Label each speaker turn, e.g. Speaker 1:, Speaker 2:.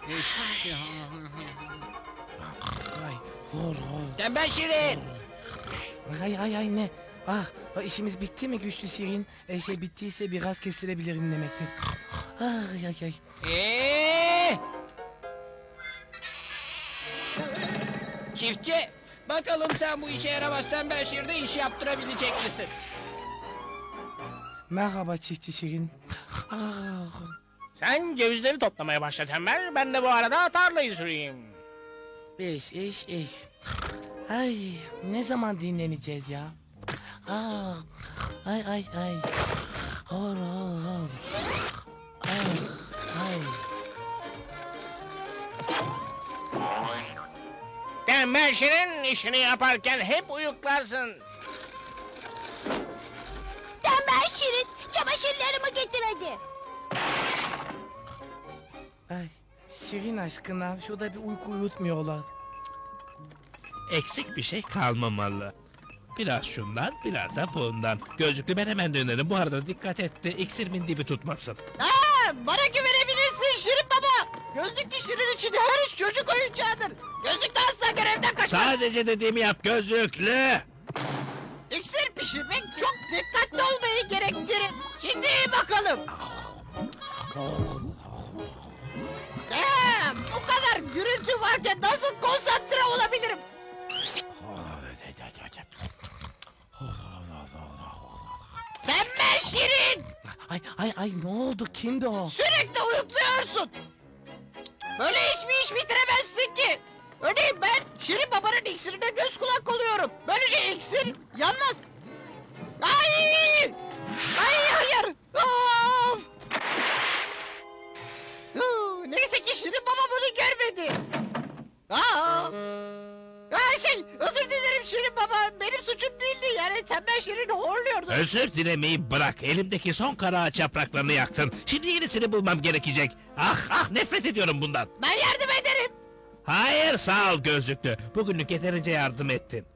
Speaker 1: Ay, hor hor.
Speaker 2: Tembel Şirin.
Speaker 1: Ay ne? İşimiz bitti mi güçlü Şirin? Bittiyse biraz kesilebilirim demektir. Ay.
Speaker 2: Çiftçi, bakalım sen bu işe yaramaz Tembel Şirin'e iş yaptırabilecek misin?
Speaker 1: Merhaba çiftçi Şirin.
Speaker 3: Sen cevizleri toplamaya başla Tembel, ben de bu arada tarlayı süreyim.
Speaker 1: İş. Ay, ne zaman dinleneceğiz ya? Ay. Hor. Ay.
Speaker 3: Tembel Şirin işini yaparken hep uyuklarsın.
Speaker 4: Tembel Şirin, çamaşırlarımı getir hadi.
Speaker 1: Ay, Şirin aşkına şurada bir uyku uyutmuyorlar.
Speaker 5: Eksik bir şey kalmamalı. Biraz şundan, biraz da bundan. Gözlüklü ben hemen dönerim. Bu arada dikkat et de iksirimin dibi tutmasın.
Speaker 2: Bana güvenebilirsin Şirin Baba. Gözlüklü Şirin için her iş çocuk oyuncağıdır. Gözlüklü asla görevden kaçmaz.
Speaker 5: Sadece dediğimi yap gözlüklü.
Speaker 2: İksir pişirmek çok dikkatli olmayı gerektirir. Şimdi bakalım. Bu kadar gürültü varken nasıl konsantre olabilirim? Tembel Şirin!
Speaker 1: Ay ne oldu? Kimdi o?
Speaker 2: Sürekli uyukluyorsun. Böyle hiçbir iş bitiremezsin ki. Örneğin ben Şirin Baba'nın iksirine göz kulak oluyorum. Böylece iksir yanmaz. Ay! Hayır! Of! Neyse ki Şirin Baba bunu görmedi. Özür dilerim Şirin Baba. Benim suçum değildi. Yani Tembel Şirin horluyordu.
Speaker 5: Özür dilemeyi bırak. Elimdeki son kara ağaç yapraklarını yaktın. Şimdi yenisini bulmam gerekecek. Ah nefret ediyorum bundan.
Speaker 2: Ben yardım ederim.
Speaker 5: Hayır sağ ol gözlüklü. Bugünlük yeterince yardım ettin.